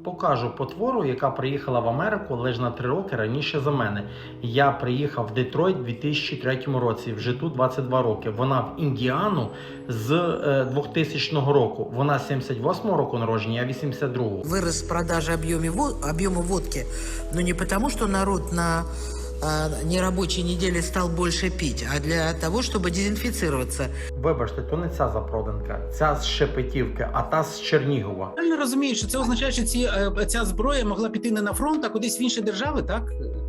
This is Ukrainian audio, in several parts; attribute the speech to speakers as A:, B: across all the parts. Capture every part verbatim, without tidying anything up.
A: Покажу потвору, яка приїхала в Америку лише на три роки раніше за мене. Я приїхав в Детройт у дві тисячі третьому році, вже тут двадцять два роки. Вона в Індіану з е, двохтисячного року. Вона з сімдесят восьмого року народження, я вісімдесят другого.
B: Вырос продажи объема водки, но не потому, что народ на а, нерабочей неделе стал больше пить, а для того, чтобы дезинфицироваться.
A: Вибачте, то не ця запроданка, ця з Шепетівки, а та з Чернігова.
C: Правильно розумію, що це означає, що ці, е, ця зброя могла піти не на фронт, а кудись в інші держави, так?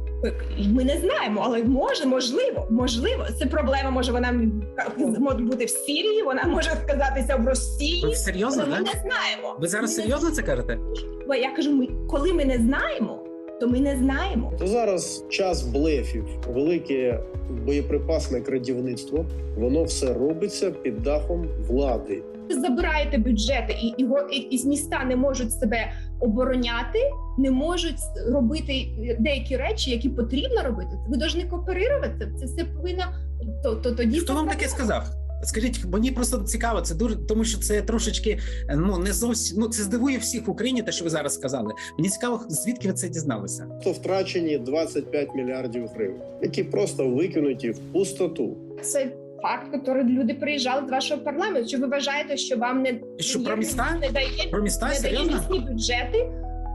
D: Ми не знаємо, але може, можливо, можливо. Це проблема, може вона може бути в Сирії, вона може сказатися в Росії.
C: Ви серйозно,
D: але ми
C: так?
D: не знаємо.
C: Ви зараз
D: ми
C: серйозно
D: не...
C: це кажете?
D: Бо я кажу, ми, коли ми не знаємо, то ми не знаємо.
E: То зараз час блефів, велике боєприпасне крадівництво, воно все робиться під дахом влади.
D: Ви забираєте бюджети, і, і, і, і міста не можуть себе обороняти, не можуть робити деякі речі, які потрібно робити. Ви повинні кооперувати. Це все повинно то, то тоді.
C: Хто вам таке сказав? Скажіть, мені просто цікаво, це дуже, тому що це трошечки, ну не зовсім, ну це здивує всіх в Україні, те, що ви зараз сказали. Мені цікаво, звідки ви це дізналися?
E: То втрачені двадцять п'ять мільярдів гривень, які просто викинуті в пустоту.
D: Це факт, який люди приїжджали з вашого парламенту. Чи ви вважаєте, що вам не
C: Що про міста?
D: не дає,
C: Про міста?
D: не дає
C: Серйозно?
D: міські бюджети?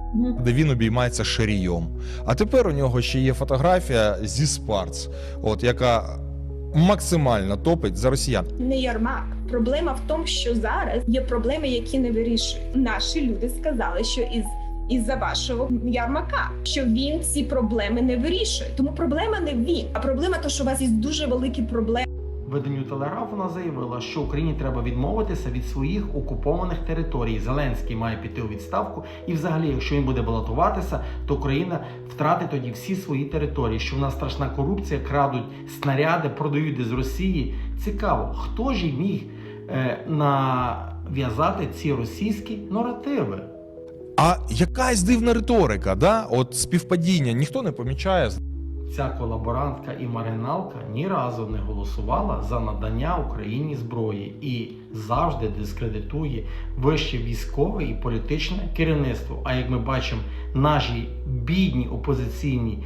F: Де він обіймається шарійом. А тепер у нього ще є фотографія зі Спарц, от яка максимально топить за росіян.
D: Не Єрмак. Проблема в тому, що зараз є проблеми, які не вирішують. Наші люди сказали, що із із-за вашого Єрмака, що він ці проблеми не вирішує. Тому проблема не він, а проблема то, що у вас є дуже великі проблеми.
A: Виданню Телеграф вона заявила, що Україні треба відмовитися від своїх окупованих територій. Зеленський має піти у відставку. І взагалі, якщо він буде балотуватися, то Україна втратить тоді всі свої території. Що в нас страшна корупція, крадуть снаряди, продають з Росії. Цікаво, хто ж і міг е, нав'язати ці російські наративи?
F: А якась дивна риторика, да? От співпадіння ніхто не помічає.
A: Ця колаборантка і маргіналка ні разу не голосувала за надання Україні зброї і завжди дискредитує вище військове і політичне керівництво. А як ми бачимо, наші бідні опозиційні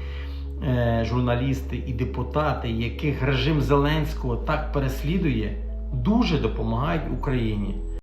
A: е, журналісти і депутати, яких режим Зеленського так переслідує, дуже допомагають Україні.